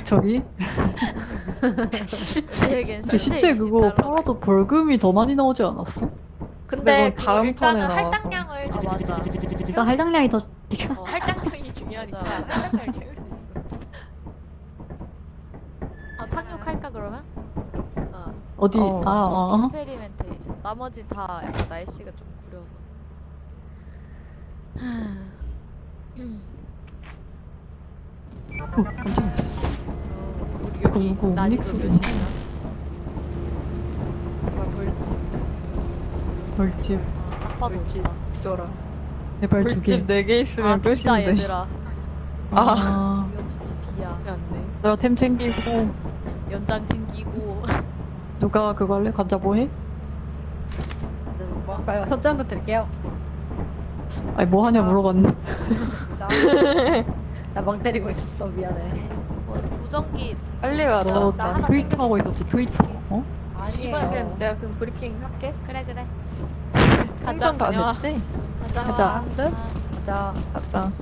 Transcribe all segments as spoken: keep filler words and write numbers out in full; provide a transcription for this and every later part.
저기 저에겐 그 시체 그거 이십 달러. 팔아도 벌금이 더 많이 나오지 않았어? 근데 그건 다음 그거 일단은 턴에 나와서. 할당량을 아, 채울 수 맞아. 있지. 일단 할당량이 더 어, 할당량이 중요하니까 할당량을 채울 수 있어. 아 착륙할까 그러면? 어. 어디 어. 아 어. 익스페리멘테이션. 나머지 다 약간 날씨가 좀 구려서. 어, 깜짝이야. 어, 우리 여기 누구 난이도 닉스 몇이냐? 제발 벌집. 벌집 아, 딱 봐도 벌집. 없다. 있어라. 제발 두 개. 벌집 네 개 아 있으면 비다 끝인데. 얘들아. 아, 위험수치 비야. 그렇지 않네. 내가 템 챙기고 연장 챙기고. 누가 그거 할래? 관자 뭐 해? 뭐 할까요? 선장도 드릴게요. 아니 뭐 하냐 물어봤는데 나 멍 때리고 있었어. 미안해. 뭐 무전기. 빨리 와. 너 너. 나 나 하나 트위터 하고 생겼어. 있었지 트위터 어? 이번에 그냥 아니에요. 내가 그럼 브리핑 할게. 그래 그래. 가자. 생선 다 다녀와. 됐지? 가자. 가자. 한드? 아, 가자. 가자.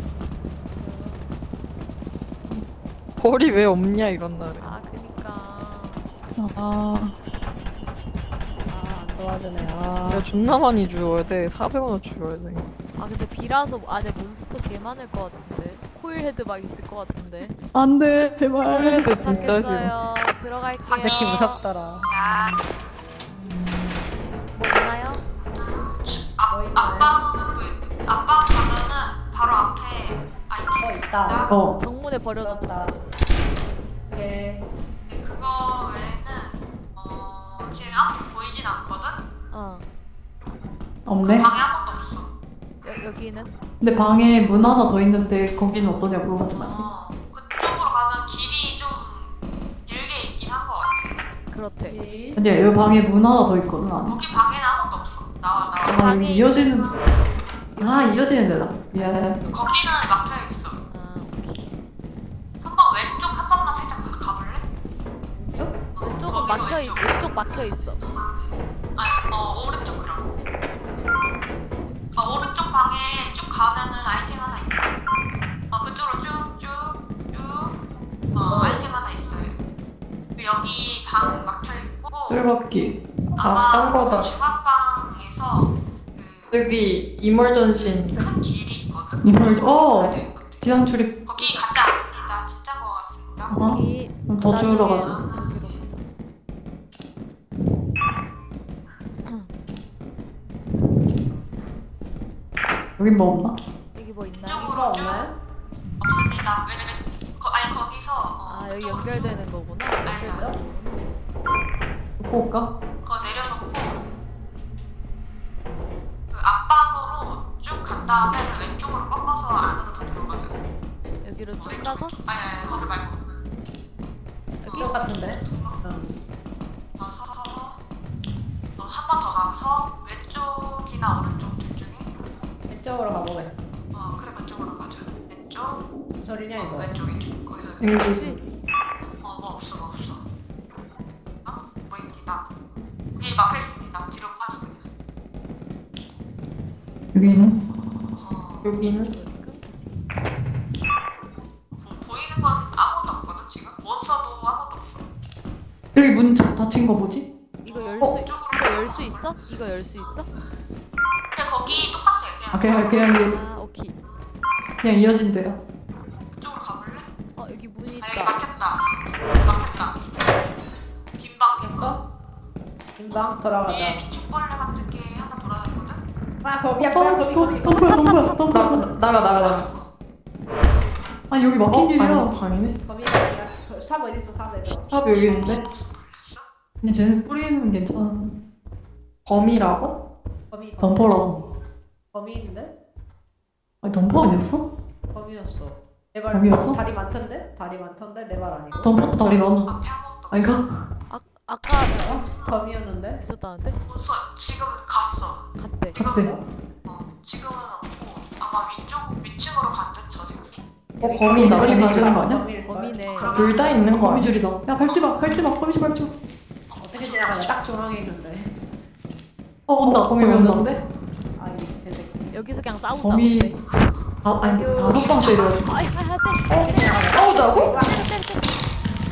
벌이 왜 없냐 이런 날에. 아 그니까. 아 아안 도와주네. 야 아. 존나 많이 주어야 돼. 사백 원을 주어야 돼. 아 근데 비라서 안에 몬스터 개 많을 것 같은데. 코일 헤드 막 있을 것 같은데. 안돼 제발 그래도 진짜 싫어. 도착했어요. 들어갈게요. 이 새끼 무섭더라. 뭐 있나요? 뭐 있나요? 아빠 가면은 바로 앞에 어 있다. 어 정문에 버려놓자 그런다. 다시. 오케이. 근데 그거 외에는 어 지금 아무도 보이진 않거든? 어. 없네 방에 아무것도 없어. 여, 여기는? 근데 방에 문 하나 더 있는데 거기는 어떠냐 물어봤지만 어 그쪽으로 가면 길이 좀 길게 있긴 한 것 같아. 그렇대. 오케이. 근데 여기 방에 문 하나 더 있거든 안에 거기 방에는 아무것도 없어. 나와 나와. 아 방에 여기 이어지는 아 이어지는 데다 미안해 거기는 막혀 있어. 아 오케이. 한번 왼쪽 한 번만 살짝 가- 가볼래? 왼쪽은 막혀 있. 왼쪽 막혀 있어. 아니 어 오른쪽 그럼. 어 오른쪽 방에 쭉 가면은 아이템 하나 있어. 어 그쪽으로 쭉쭉쭉 어 아이템 하나 있어요. 그리고 여기 방 막혀 있고. 쓸바퀴. 아마 아싼 거다. 중앙방에서 여기 이멀전신. 그 큰 길이 있거든. 이멀- 어. 가야 되는 건데. 비상 출입 거기 가자. 나 진짜 거 같습니다. 어? 여기. 그럼 더 주우러 나중에 가자. 저기로 가자. 여긴 뭐 없나? 여기 뭐 있나요? 이거 없나요? 없습니다. 왜, 왜, 거, 아니 거기서 어, 아 여기 그쪽- 연결되는 거구나. 연결되는 거구나. 놓고 올까? 그거 내려놓고 그 앞방으로 쭉 간 다음에 왼쪽으로 꺾어서 안으로 더 들어가자. 여기로 쭉 가서 아니 아니 거기 말고 여기. 이거 같은데? 응. 어, 서서 한 번 더 가서 왼쪽이나 오른쪽 둘 중에 이쪽으로 가보겠습니다. 어 그래 그쪽으로 가자. 왼쪽 무슨 소리냐 어, 이거? 왼쪽 이쪽 거기서 여기 혹시 어뭐 없어 뭐 없어. 어? 뭐 있니다. 여기 막혀 있습니다. 뒤로 빠져 그냥. 여기는 어 여기는 어디 끊기지? 뭐, 보이는 건 아무것도 없거든 지금. 몬스터도 아무것도 없어. 여기 문 자- 닫힌 거 뭐지? 이거 열 수 이거 열 수 있어? 이거 열 수 있어? 근데 거기 똑같아 그냥. 아 그냥 그냥 여기- 아 오케이. 그냥 이어진 데야 그쪽으로 가볼래? 어 여기 문이 아 여기 있다. 막혔다. 막혔다. 빈방 빈방. 됐어? 금방 돌아가자. 뒤에 비축벌레 같은 게 하나 돌아다니거든. 아 거미야 어, 거미 거미 더- 거미. 더 보여, 더 보여, 더 보여. 나, 나가 나가 나가. 아니 여기 막힌 어? 길이야 아니 방이네. 거미 거미야. 삽 어디 있어? 삽 얘들아. 탑 여기 있는데? 근데 쟤는 뿌리는 괜찮아 범이라고? 거미. 덤퍼라고 거미 있는데? 아니 덤퍼 아니었어? 거미였어. 내발 거미였어? 다리 많던데? 다리 많던데 내 발 아니고. 덤퍼 다리 많아 앞에 아무것도 아니 그 아 아까 어? 거미였는데? 있었다는데? 없어. 지금 갔어. 갔대. 그때 어 지금은 없고 아마 위쪽 위층으로 간듯 저 새끼. 어 범이 나머지 거미 가는 거 아니야? 거미일 걸? 범이네. 둘 다 있는 거 아니야? 거미줄이다 야 밟지 마 밟지 마 거미줄 밟지 마 어떻게 지나가냐? 딱 중앙에 있는데. 어 온다 거미 온다 없는데? 아 이 새끼. 여기서 그냥 싸우자. 거미 어때? 아, 아니 다섯 방 때려가지고 아이 하야 돼. 어떻게 지나가냐? 싸우자고? 이거 때, 때, 때.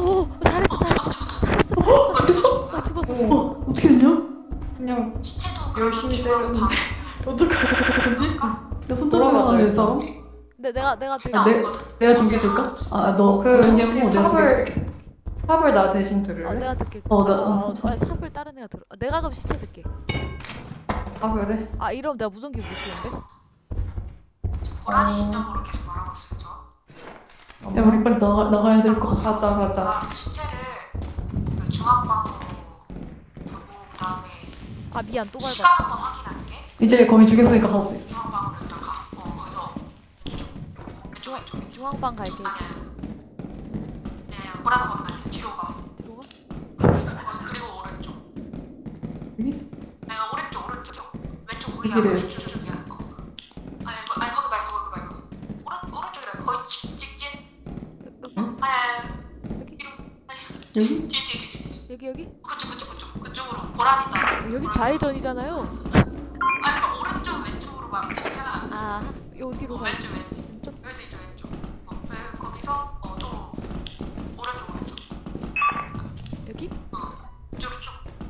오 잘했어 잘했어 잘했어 잘했어. 죽였어? 아, 죽었어 어, 죽었어. 어떻게 됐냐? 그냥 시체도 열심히 그럼 때렸는데. 어떡하지? 야, 손잡이 하는 사람? 근데 내가 내가 되게 아, 내, 내가 죽여줄까? 아, 너 그 그냥 혹시 뭐 내가 죽여줄게. 삽을 삽을 나 대신 아, 들을래? 내가 듣게. 어, 나- 아, 어, 어, 삽, 아, 삽. 삽을 다른 애가 들어. 아, 내가 그럼 시체 듣게. 아 그래? 아 이러면 내가 무전기 못 쓰는데? 고라니 시점으로 계속 말하고 있어요. 저. 야, 우리 빨리 나가, 나가야 될 것 같아. 가자 가자. 나 시체를 그 중앙방으로 두고 그 다음에 아 미안 또 시간 밟았다. 한번 확인할게. 이제 거미 죽였으니까 가보자. 중앙방으로 일단 가. 어 거기서 왼쪽 중앙 왼쪽 왼쪽. 중앙방 갈게. 아니야. 네 고라니 건너 뒤로 가. 뒤로 가? 어, 그리고 오른쪽. 여기? 내가 오른쪽 오른쪽이요. 왼쪽 거기가 여기를. 왼쪽 쪽이야. 어. 아니 이거 아니 거기 말고 거기 말고. 오른 오른쪽이라 거의 직 직진. 여- 아니 아니 여기 뒤로. 아니 여기? 뒤 뒤 뒤 뒤. 여기 여기? 그쪽 그쪽 그쪽 그쪽으로 고라니다. 어, 여기 좌회전이잖아요. 아니 그러니까 오른쪽 왼쪽으로 말했잖아. 아 어디로 어, 가? 왼쪽 왼쪽. 왼쪽? 여기서 이제 왼쪽. 어, 네, 거기서 어또 오른쪽 오른쪽. 여기? 쭉 쭉.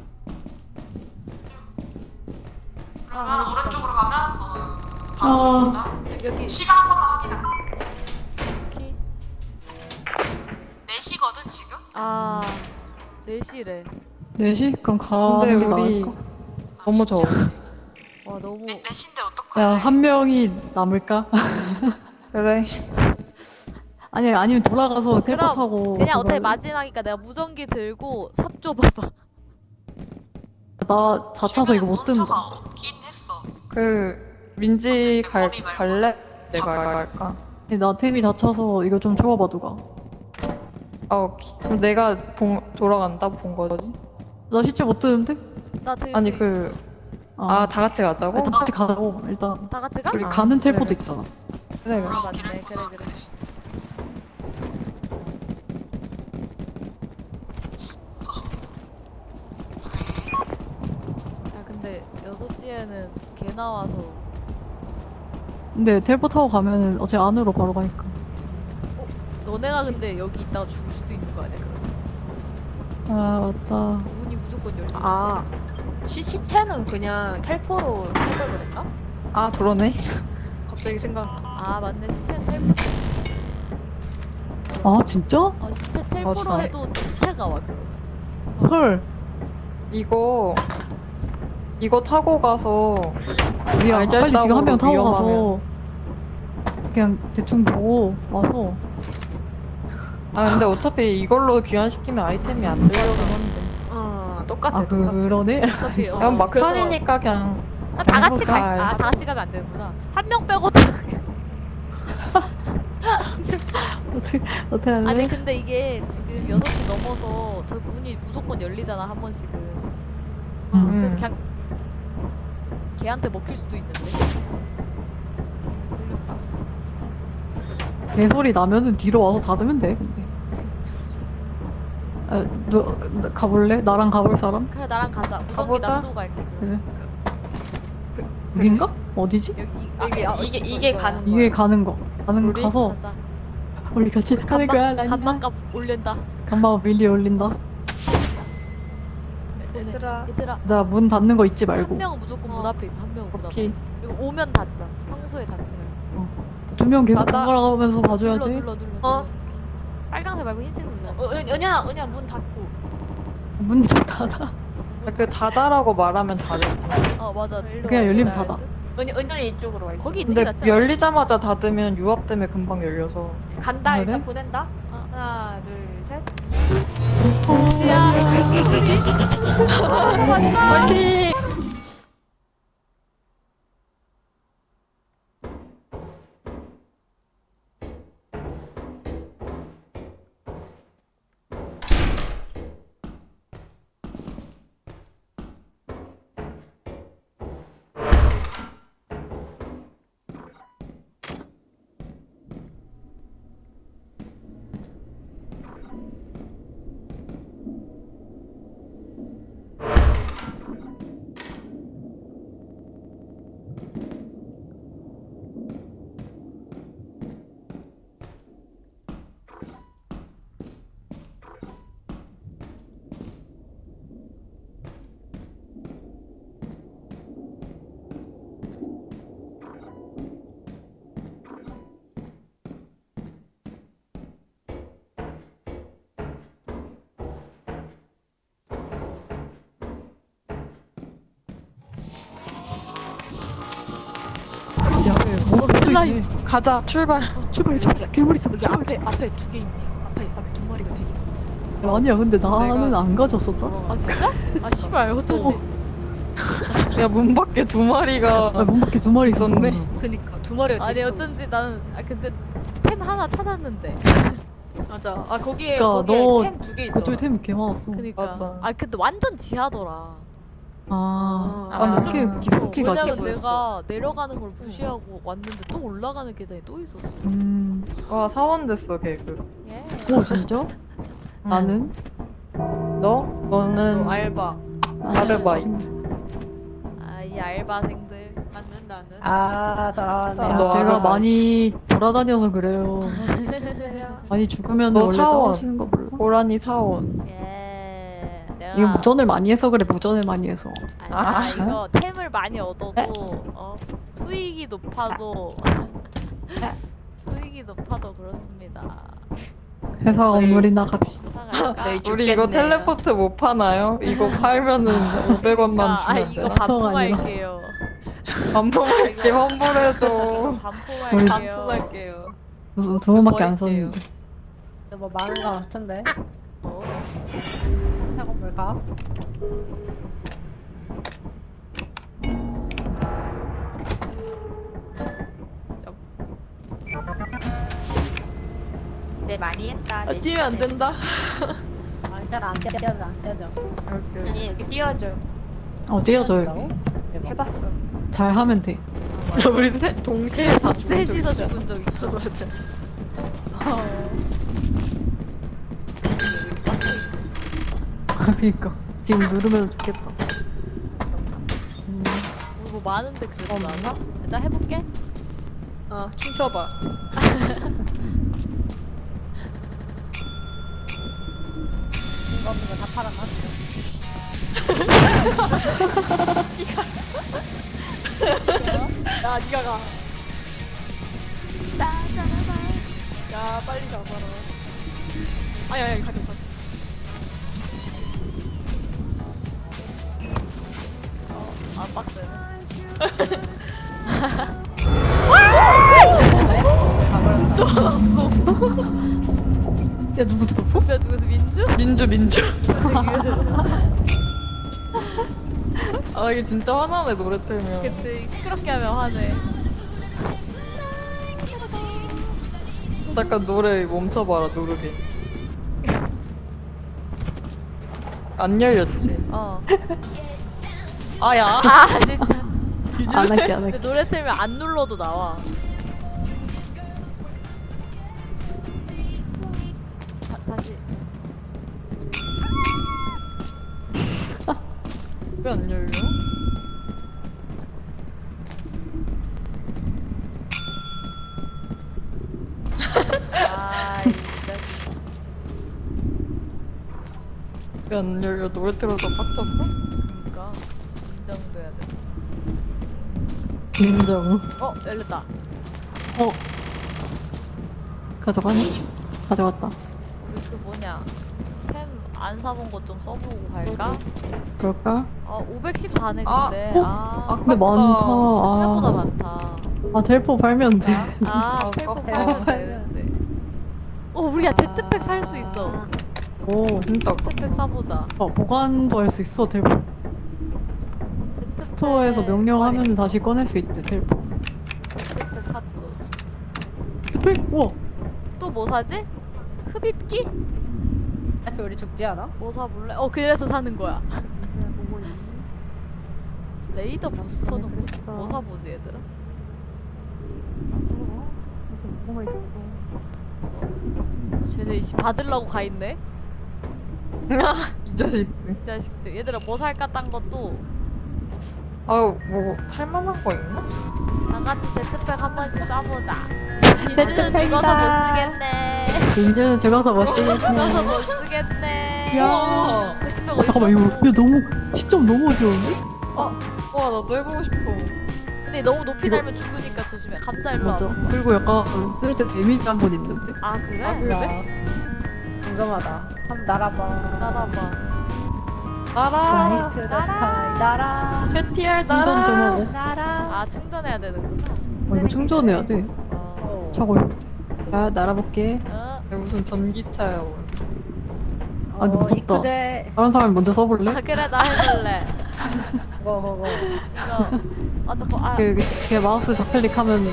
아, 그러면 여기 있다. 오른쪽으로 가면 어 아. 바로 보인다. 여기 시간 한 번만 확인할게. 키. 네 시거든 지금? 아 네 시래. 네 시? 그럼 근데 가는 게 우리 나을까? 너무 더워. 와 너무 네, 네 시인데 어떡해? 야, 한 명이 남을까? 그래. 아니, 아니면 돌아가서 텔포 그럼 타고. 그냥 어차피 그걸- 마지막이니까 내가 무전기 들고 삽 줘봐봐. 나 자차서 이거 못 몬스터가 든다. 없긴 했어. 그 민지 갈 거미 말고. 갈래? 내가 갈까? 나 템이 다쳐서 이거 좀 주워봐, 누가. 아 오케이. 그럼 내가 본, 돌아간다 본 거지? 나 시체 못 드는데? 나 들 수 아니 있어. 그 아 다 같이 가자고? 아니, 다 같이 가자고, 일단. 다 같이 가? 우리 아, 가는 텔포도 그래. 있잖아. 그래 그래. 아 맞네. 그래 그래. 야 근데 여섯 시에는 개 나와서 근데 텔포 타고 가면은 어차피 안으로 바로 가니까. 너네가 근데 여기 있다가 죽을 수도 있는 거 아니야 그럼? 아, 맞다. 문이 무조건 열리는 아 시, 시체는 그냥 텔포로 생각을 했나? 아 그러네. 갑자기 생각. 아 맞네 시체 텔포 아, 진짜? 어 시체 텔포로 진짜. 해도 시체가 와 그러면 헐. 이거 이거 타고 가서 우리야, 알잘딱으로 빨리 지금 한 명 타고 가서 위험하면. 그냥 대충 보고 와서. 아 근데 어차피 이걸로 귀환시키면 아이템이 안 들려긴 한데. 어 똑같아. 아, 똑같아. 그러네? 어차피 어, 그냥 막판이니까 그냥 아, 다 같이 해볼까? 갈, 아, 다 같이 가면 안 되는구나. 한 명 빼고 다. 어떻게, 어떻게 할래? 아니 근데 이게 지금 여섯 시 넘어서 저 문이 무조건 열리잖아 한 번씩은. 어, 음. 그래서 그냥 걔한테 먹힐 수도 있는데. 개소리 나면은 뒤로 와서 닫으면 돼, 근데. 아, 너, 나- 가볼래? 나랑 가볼 사람? 그래 나랑 가자. 무전기 가보자. 놔두고 갈게. 그럼. 그래. 여긴가? 어디지? 여기 이, 이게- 아, 이게- 이거, 이게 이거야. 가는 이게 가는 거. 가는 우리 거 가서 가자. 우리 같이 가는 거야, 라니야. 간만값 올린다. 간만 밀리 올린다. 보내. 얘들아. 얘들아. 나 문 닫는 거 잊지 한 말고. 명은 무조건 문 앞에 있어. 한 명은 문 앞에. 오케이. 그리고 오면 닫자. 평소에 닫지 말고. 두 명 계속 닫아. 번갈아가면서 봐줘야 눌러 돼. 눌러 눌러. 어? 눌러. 빨강색 말고 흰색 눌러. 어, 은, 은현아 은현아 문 닫고. 문 좀 닫아. 그 다다라고 말하면 닫을. 어 맞아. 일로 그냥 와, 열리면 일로 와. 닫아. 은, 은현이 이쪽으로 와. 이쪽으로. 거기 있는 게 근데 낫지 않아? 열리자마자 닫으면 유압 때문에 금방 열려서. 간다 그래? 일단 보낸다. 어. 하나 둘 셋. 파이팅! 오토라인. 가자 출발. 출발 출발. 괴물 있어. 여기 앞에 앞에 두 개 있네. 앞에 앞에 두 마리가 대기하고 있어. 아니야 근데 나는 내가- 안 가졌었다. 아 진짜? 아 씨발 어쩐지. 야 문 밖에 두 마리가 아, 문 밖에 두 마리 있었네. 있었네. 그니까 두 마리가 아니 대기하고 어쩐지 나는 아 근데 템 하나 찾았는데. 있어. 맞아. 아 거기에 그러니까 거기에 너 템 두 개 있더라. 그쪽에 템이 개 많았어. 그니까. 맞아. 아 근데 완전 지하더라. 아, 아, 맞아. 맞아. 꽤 좀- 깊숙이 어, 가지. 왜냐면 보였어. 내가 내려가는 걸 무시하고 왔는데 또 올라가는 계단이 또 있었어. 음, 와 사원 됐어 개그. 예. 오 진짜? 나는? 너? 너는 너 알바. 아르바이트. 아 이 알바생들. 나는 나는. 아 잘하네. 아, 야, 너 제가 아르바이트. 많이 돌아다녀서 그래요. 많이 죽으면 너 원래 사원. 떨어지는 거 몰라? 고라니 사원. 예. 내가 이거 무전을 많이 해서 그래. 무전을 많이 해서. 아니, 아, 아. 이거 템을 많이 얻어도 어, 수익이 높아도 수익이 높아도 그렇습니다. 회사 건물이나 갑시다. 사갈까? 네, 우리 이거 죽겠네요. 텔레포트 못 파나요? 이거 팔면은 오백 원만 아, 아 주면 이거 돼. 사초가 아니라. 반품할게요. 반품할게 환불해줘. 이거 반품할게요. 반품할게요. 두, 두 번밖에 안 버릴게요. 썼는데. 뭐 많은 거 같은데. 어. 해건 뭘까? 네 많이 했다. 아, 뛰면 안 된다. 아, 잘안 떼져 안 떼져. 아니 이렇게 띄워줘. 어, 띄워줘 여기. 해봤어. 잘 하면 돼. 우리 세, 동시에 그래서 다 죽은 적 셋이서 있잖아. 죽은 적 있어. 맞아. 그니까 지금 누르면 좋겠다. 음, 우리 뭐 많은데 그래도 나나? 일단 해볼게. 어 춤춰봐. 이거 없는 거다 팔아놨어. 야 니가 가. 야 빨리 가봐라. 아니 아니 가져 가져. 아 빡세네. 야 누구 들었어? 누가 누구서 민주? 민주 민주. 아 이게 진짜 화나네 노래 틀면. 그치 시끄럽게 하면 화내. 잠깐 노래 멈춰봐라 누르게. 안 열렸지. 어. 아야. 아 진짜. 안 할게 안 근데 할게. 노래 틀면 안 눌러도 나와. 다, 다시. 왜 안 열려? 아이 자식. 왜 안 열려? 노래 틀어서 빡쳤어? 그니까 진정돼야 돼. 인정. 어 열렸다. 어. 가져가네. 가져갔다. 우리 그 뭐냐 템 안 사본 거 좀 써보고 갈까? 그럴까? 아 오백십사네 아, 근데. 어? 아, 근데 많다. 생각보다 아, 많다. 아 텔포 팔면 돼. 아 아, 텔포 아, 팔면 되는데. 어 우리야 제트팩 살 수 있어. 오. 진짜 제트팩 사보자. 어, 보관도 할 수 있어 텔포. 제트팩 스토어에서 명령하면 다시 꺼낼 수 있대 텔포. 제트팩 샀어. 텔포? 우와. 또 뭐 사지? 흡입기? 어차피 우리 죽지 않아? 뭐 사볼래? 어 그래서 사는 거야. 레이더 부스터는 뭐지? 뭐 사보지 얘들아? 어, 쟤네 이씨 받으려고 가 있네. 이 자식. 이 자식들. 얘들아 뭐 살까 딴 것도 아유 뭐 살만한 거 있나? 다 같이 제트팩 한 번씩 쏴보자. 민주는 죽어서 못 쓰겠네. 민주는 죽어서 못 죽어서 쓰겠네. 못 쓰겠네. 야. 제트팩 어, 어디 잠깐만 이거 야 너무 시점 너무 어지러운데? 와 나도 해보고 싶어. 근데 너무 높이 이거- 달면 죽으니까 조심해. 감자 일로 맞아. 와봐. 그리고 약간 쓸 때 데미지 한 번 있는데. 아 그래? 아, 그래? 야, 궁금하다. 한번 날아봐. 따라봐. 나라. 나이트 더 스카이 날아. 최티알 충전 좀 나라. 하고. 날아. 아 충전해야 되는구나. 어, 이거 충전해야 돼. 어. 차고 있을 때. 아, 날아볼게. 어. 무슨 전기차야. 뭐. 아, 근데 무섭다. 어, 이쁘제. 다른 사람이 먼저 써볼래? 아 그래 나 해볼래. 뭐, 뭐, 뭐. 이거 아 잠깐 아 그, 그, 그 마우스 좌클릭하면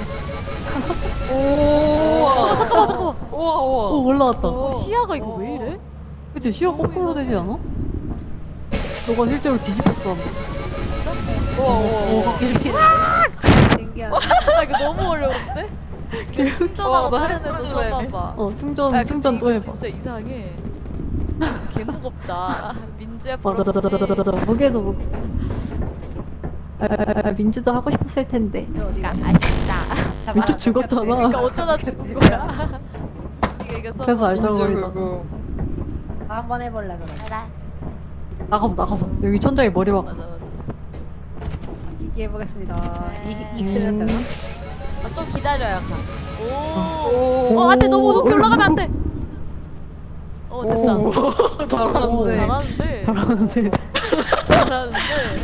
오. 어, 잠깐만 잠깐만. 우와 우와. 오 올라왔다. 어, 시야가 이거 왜 이래? 그치? 시야 너무 거꾸로 이상해. 되지 않아? 너가 실제로 뒤집혔어. 우와 우와 우와. 신기하네. 아 이거 너무 어려운데? 그냥 충전하고 어, 나 다른 애도 해볼래. 써봐봐. 어, 충전, 아, 근데 충전 또 이거 해봐. 진짜 이상해. 개 무겁다. 민주야 맞아, 맞아, 맞아, 맞아, 맞아. 무게도 무거. 아, 아, 아, 민주도 하고 싶었을 텐데. 저 어디가? 아쉽다. 민주 죽었잖아. 그러니까 어쩌다 죽은 거야. 이게 이게 써. 그래서 알죠. 민주 알짱거리다. 그거. 나 한번 해볼래 그럼. 알아. 나가서, 나가서. 여기 천장에 머리 박. 맞아 맞아. 기기 해보겠습니다. 네. 이 익스면 되나? 아, 좀 기다려야 가. 오. 오. 어 안돼 너무 높이 올라가면 안 돼. 어 됐다. 오. 오, 잘하는데. 잘하는데. 잘하는데. 잘하는데.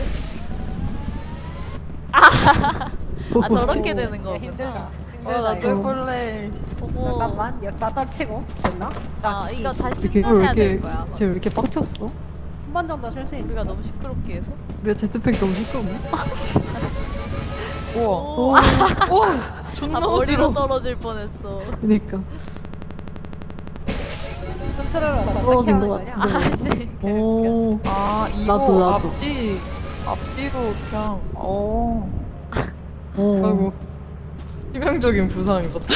아 저렇게 되는 야, 거구나. 힘들다. 아 힘들다 나도 이거. 해볼래. 어머. 잠깐만 여기다 떨치고 됐나? 아 이거 다시 이렇게, 왜 충전해야 될 이렇게, 거야. 쟤왜 이렇게 빡쳤어? 한 번 정도 쉴 수 있어. 우리가 너무 시끄럽게 해서. 우리가 제트팩 너무 시끄럽네. 우와. 오. 우와. 아 존나 머리로 어지러워. 떨어질 뻔했어. 그니까. 컨트롤러 떨어진 것 어떻게 하는 같은데. 거냐? 아씨. 오. 아 이거 나도, 나도. 앞뒤 앞뒤로 그냥 어. 오. 아이고. 치명적인 부상 입었다.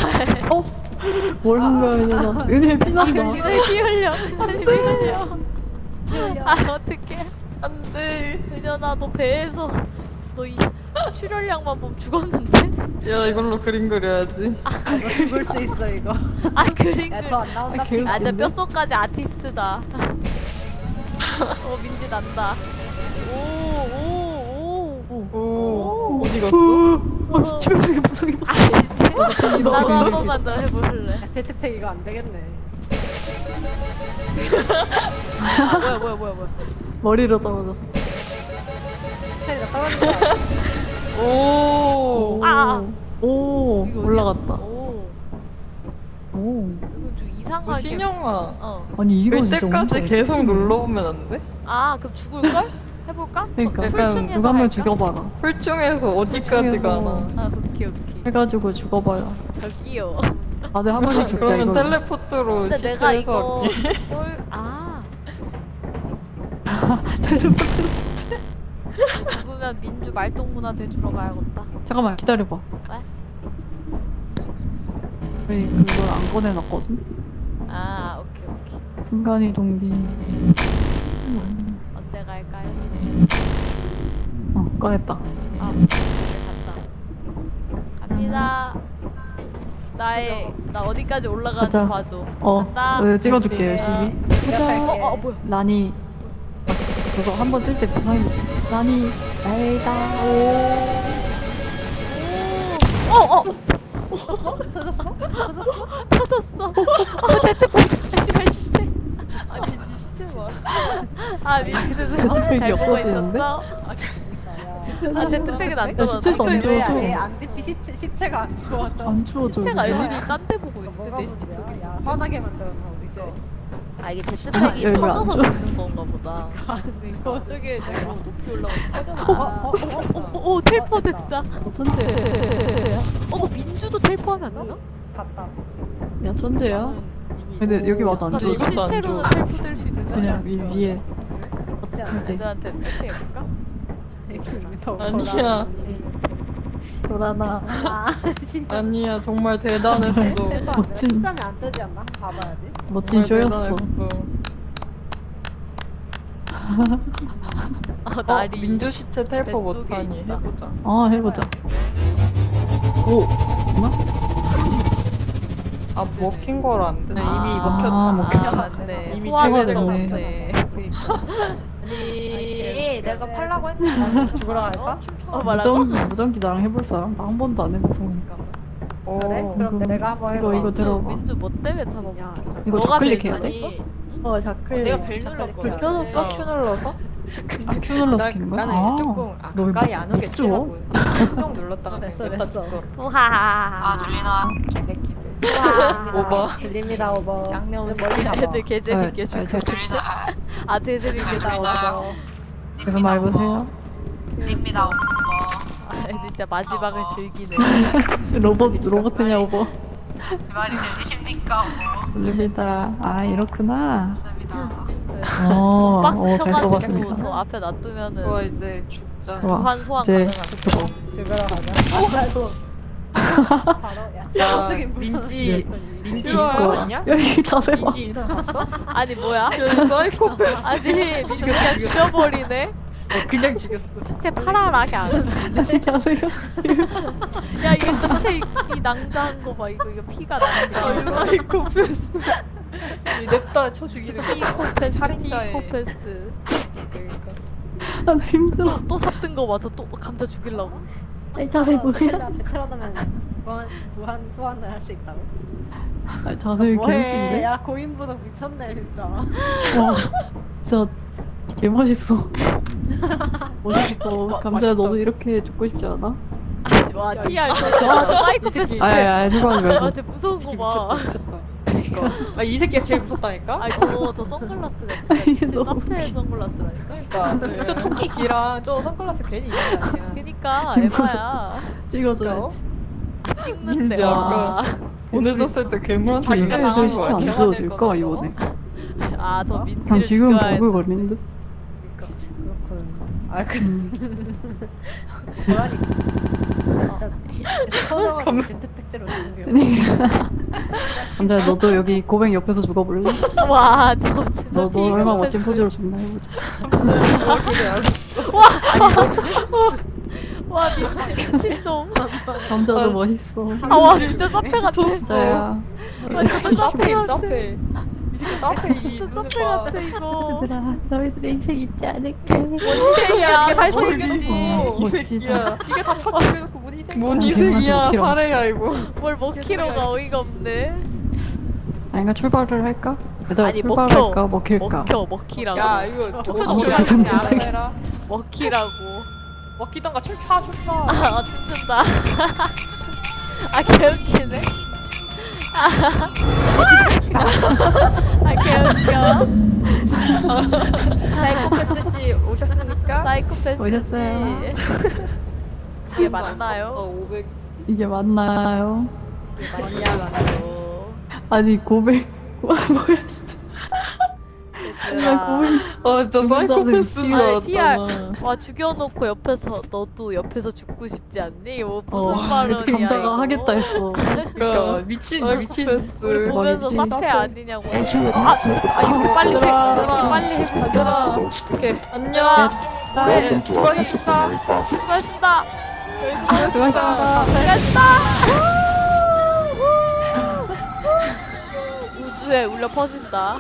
뭘 한 거야, 얘나. 은혜 피난다. 은혜 피 흘려. 은혜 피 흘려. 아 어떡해. 안돼. 은현아 너 배에서 너 이 출혈량만 보면 죽었는데? 야 이걸로 그림 그려야지. 너 죽을 수 있어 이거. 아 그림 야 그 더 안 나온다. 아, 개웃기네. 아 진짜 뼛속까지 아티스트다. 어 민지 난다. 오오오 오. 오. 어디 갔어? 어, 치명적인 부상이 었어 아이씨. 나도 한 너무 번만 더 해볼래. 야, 제트팩 이거 안 되겠네. 아 뭐야 뭐야 뭐야 뭐야. 머리로 떨어졌어. 제트팩이 떨어진 거 아니야? 오. 아, 아. 오, 이거 어디야? 올라갔다. 오 오. 이거 좀 어, 이상하게. 신영아. 어. 아니, 이거 될 진짜 때까지 엄청 계속 눌러보면 안 돼? 아 그럼 죽을걸? 해볼까? 그러니까. 어, 약간 풀충해서 누가 한 명 할까? 죽여봐라. 홀쭉에서 어디까지 홀쭉에서. 가나? 아 오케이 오케이. 해가지고 죽어봐라. 저기요. 다들 한 번씩 죽자, 그러면 이거. 텔레포트로 근데 시체 내가 이거 해서 똘 아. 죽으면 민주 말동무나 돼주러 가야겠다. 잠깐만, 기다려봐. 왜? 우리 그걸 안 꺼내놨거든? 아 오케이 오케이. 순간이동기. 언제 갈까요? 어, 꺼냈다. 아 이제 갔다. 갑니다. 나의 나 어디까지 올라가는지 가자. 봐줘. 어, 간다. 어, 찍어줄게, 네. 열심히. 내가 갈게. 어, 어 뭐야? 라니. 그거 한 번 쓸 때 부상이 붙었어. 라니, 날다. 오. 어 어. 터졌어? 터졌어? 어 제트팩 다시 갈 시체. 아니 네 시체 봐. 아 민주 제트팩이 잘 보고 없어지는데? 있었어? 아 제트팩은 안 야, 떨어져. 시체도 안 왜 좋아져. 왜 안 집히 시체 시체가 안 좋아져. 안 추워져. 시체가 이거. 애들이 딴 데 보고 있는데 뭐가 내 시체 문제야? 저기. 야, 화나게 만들었나 이제. 아 이게 제트팩이 여기가 안 터져서 좋아. 죽는 건가 보다. 저쪽에 너무 높이 올라가 터졌나? 어, 어, 어, 어, 어. 오 텔포 됐다. 어, 천재. 어 뭐 민주도 텔포하면 안 되나? 갔다. 야, 천재야. 근데 여기 와도 안 나 돼. 너 이것도 안 시체로는 좋아. 텔포 될 수 있는 거야? 그냥 위, 위에. 그렇지 않아? 네. 애들한테 멘트 해볼까? 아니야. 돌아나. 아, 진짜. 아니야 정말 대단했어. 멋진. 숫자면 안 뜨지 않나? 한번 봐봐야지. 멋진 정말 쇼였어. 대단했어. 아 어, 날이 민주 시체 텔포 뱃속에 못하니 있다. 해보자. 아, 해보자. 오, 뭐나? 아 먹힌 거라 안 되나? 아, 이미 먹혔다. 아, 먹혔다. 맞네. 이미 소화돼서 제거됐네. 먹네. 아니, 내가 팔라고 했는데 죽으러 갈까? 어 말하고? 무전, 무전기 나랑 해볼 사람? 나 한 번도 안 해봐서. 오. 그래? 그럼 이거- 내가 한번 이거, 해봐. 이거 민주 들어봐. 민주 뭐 때문에 야, 잡아먹기? 이거 너가 좌클릭해야 벨 돼? 눌렀어? 어 자클. 내가 벨 눌렀거든. 불 켜졌어? 어. 큐 눌러서? 근데 큐 눌러서 나- 킨 거야? 나는 아, 조금 아, 너 왜 가까이 안 오겠지 못 하고 수동 눌렀다가 됐어, 그냥 됐어. 냅다 죽어. 우하하하. 아 들리나? 개새끼들. 오버. 들립니다 오버. 쌍놈 멀리 가봐. 애들 개 재밌게 아, 죽여. 저- 들리나? 아, 아, 개 재밌게 들립니다 나와. 오버. 계속 말해보세요. 들립니다 오버. 아, 애들 진짜 마지막을 즐기네. 로봇, 로봇이냐고. 뭐. 제 말이 들리십니까 오버? 들립니다. 아, 이렇구나. 감사합니다. 어, 박스 어, 잘 켜가지고 써봤습니다. 저 앞에 그거 놔두면은 이제 죽자. 와, 무한 소환 이제 가능한. 그거. 죽으러 가자. 바로 야. 야 갑자기 무슨- 민지 민지 좋아요. 인성 봤냐? 여기 자세 봐. 민지 인성 봤어? 아니 뭐야? 사이코패스. 아니 민수 그냥 죽여버리네. 어, 그냥 죽였어. 시체 파라라게 안. 자세가. 야 이거 시체 이, 이 낭자한 거 봐. 이거 이거 피가 낭자. 사이코패스. 이 냅다 쳐 죽이는 거. 피코패스. 살인자의 피코패스. 그러니까. 아, 나 힘들어. 또 삽든 거 봐서 또 감자 죽이려고. 이 자세 뭐야? 앞에 틀어두면 무한 무한 소환을 할 수 있다고. 아, 자세 뭐해? 개웃긴데? 야 고인부덕 미쳤네 진짜. 와, 진짜 개 멋있어. 멋있어. 감자야, 맛있다. 너도 이렇게 죽고 싶지 않아? 아씨 와 티알 저 저, 저 사이코패스. 아, 아, 아, 누가 말고. 아, 쟤 무서운 거 봐. 미쳤다 미쳤다. 그러니까. 아, 이 새끼가 제일 무섭다니까? 아니 저저 저 선글라스가 진짜 미친 너무 사페 선글라스라니까. 그러니까 저 토끼기랑 저 선글라스 괜히 있는 게 아니야. 그니까 김구석. 에바야. 찍어줘야지. 아, 찍는데 민지 와. 아까 보내줬을 때 괴물한테 자기가 인사당한 애들 진짜 거 안 아니야? 지워줄까, 이번에? 아 저 그냥 민지를 지금 죽여야 돼. 버글거리는 듯? 그렇군. 아 그. 음. 고라니. 진짜 서정한 제트팩제로 죽여. 감자야, 너도 여기 고백 옆에서 죽어볼래? 와 저거 진짜 너도 얼마나 멋진 피코패스. 포즈로 죽나 해보자. 와 민지 미친놈. 감자도 멋있어. 아와 진짜 사페 같아. 감자야. 와 진짜 사페 사페임 같아. 사페. 이 새끼 사페 이 진짜 눈을 사페 봐. 같아 이거. 얘들아, 너희들의 인생 잊지 않을게. 뭔 희생이야 잘생겼지. 어, 멋지다. 야, 이게 다 쳐죽여놓고 뭔 희생? 뭔 아, 희생이야, 걔한테 웃기라. 사례야 이거. 뭘 먹히로가 어이가 없네. 아닌가 출발을 할까? 얘들아, 아니, 출발할까? 먹혀. 먹힐까? 먹혀 먹히라고. 야 이거 투표도 아무도 못해. 대답 그냥 못하게. 알아서 해라. 먹히라고. 먹히던가 춤춰 춤춰. 아 춤춘다. 아 개웃기네. 아 개웃겨. 사이코패스 씨 오셨습니까? 사이코패스 오셨어요. 씨. 이게 맞나요? 어 오백. 이게 맞나요? 맞냐고. 아니 고백 뭐야 진짜. 나 얘들아. 고백 아, 진짜 사이코패스인 아니, 거 티알. 같잖아. 와 죽여놓고 옆에서 너도 옆에서 죽고 싶지 않니? 뭐 무슨 어, 발언이야 감자가 이거. 하겠다 했어. 그러니까 미친 미친. 우리 보면서 대박이지. 사페 아니냐고. 아, 아 이렇게 빨리 해, 이렇게 빨리 해주고 싶다. 오케이. 안녕. 네 수고하셨습니다. 수고했습니다. 수고하셨습니다. 수고했습니다. 우주에 울려 퍼진다.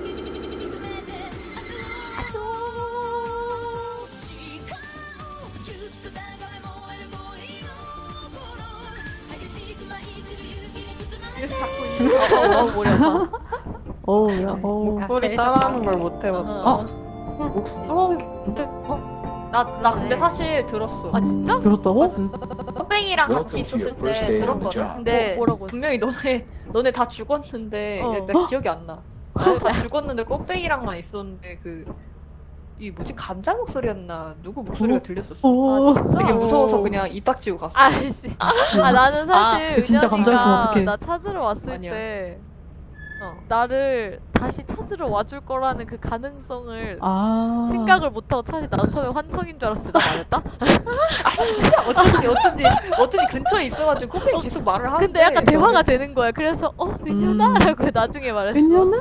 그래서 자꾸 어, 어, 어, 머리 아파. 어우 야 어우. 목소리 따라하는 걸 못 해봤어. 어? 나나 근데 사실 들었어. 아 진짜? 들었다고? 선배이랑 같이 있었을 때 들었거든. 근데 뭐, 뭐라고 했어? 분명히 너네 너네 다 죽었는데 어. 나 기억이 안 나. 너네 다 죽었는데 꽃뱅이랑만 있었는데 그 이 뭐지 감자 목소리였나 누구 목소리가 어? 들렸었어. 어. 아 진짜? 되게 무서워서 그냥 입 닥치고 갔어. 아이씨. 아 나는 사실 아, 진짜 감자였으면 은연이가 어떡해. 나 찾으러 왔을 아니야. 때 어. 나를 다시 찾으러 와줄 거라는 그 가능성을 아. 생각을 못하고 차라리 나도 처음에 환청인 줄 알았을 때 나 말했다? 아씨 어쩐지 어쩐지 어쩐지 근처에 있어가지고 꽃뱅이 계속 말을 하는데. 근데 약간 대화가 되는 거야. 그래서 어 은연아? 음. 라고 나중에 말했어. 은연아?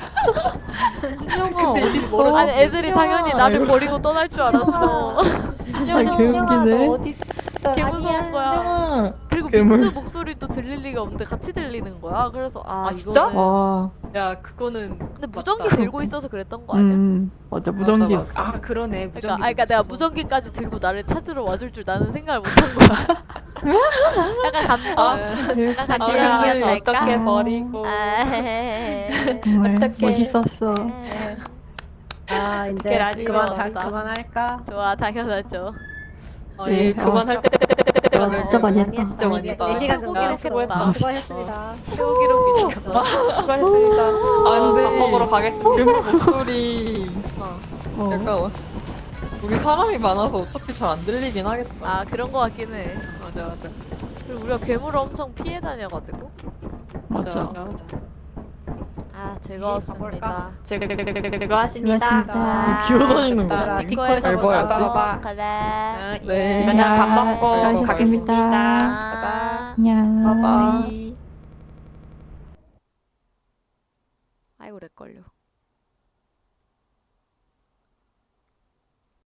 신영아 근데 어딨어? 아니 애들이 당연히 나를 버리고 떠날 줄 알았어. 아 개웃기네. 개 무서운 거야. 신영아. 그리고 괴물. 민주 목소리도 들릴 리가 없는데 같이 들리는 거야. 그래서 아, 아, 진짜? 이거는 와. 야 그거는. 근데 무전기 맞다. 들고 있어서 그랬던 거 아니야? 음 맞아 무전기였어. 아 그러네. 무전기 그러니까, 아, 그러니까 내가 있었어. 무전기까지 들고 나를 찾으러 와줄 줄 나는 생각을 못한 거야. 약간 감동. 약간 아, 같이 그러면 얘기할까? 어떻게 어. 버리고. 아, 정말 어떡해. 멋있었어. 아 자 그게 이제 라디오 그만 자, 나온다. 그만할까? 좋아, 당연하죠. 아니 네, 그만할 어, 때 아, 진짜 많이 했다. 진짜 많이 했다. 네 시간 최고 정도 기록 했어. 했다. 수고하셨습니다. 최고 기록 미쳤어. 수고하셨습니다. 안 돼. 밥 먹으러 가겠습니다. 그 목소리 어. 약간 우리 사람이 많아서 어차피 잘 안 들리긴 하겠다. 아, 그런 거 같긴 해. 맞아 맞아 그리고 우리가 괴물을 엄청 피해 다녀가지고. 맞아 맞아. 맞아 맞아. 아, 즐거웠습니다. 즐거웠습니다. 수고하셨습니다. 기어다니는 거. 자, 디코에서 알바였지? 보자. 그래. 네. 그러면 밥 먹고 수고하셨습니다. 가겠습니다. 아, 안녕. 봐봐. 아이고, 렉걸려.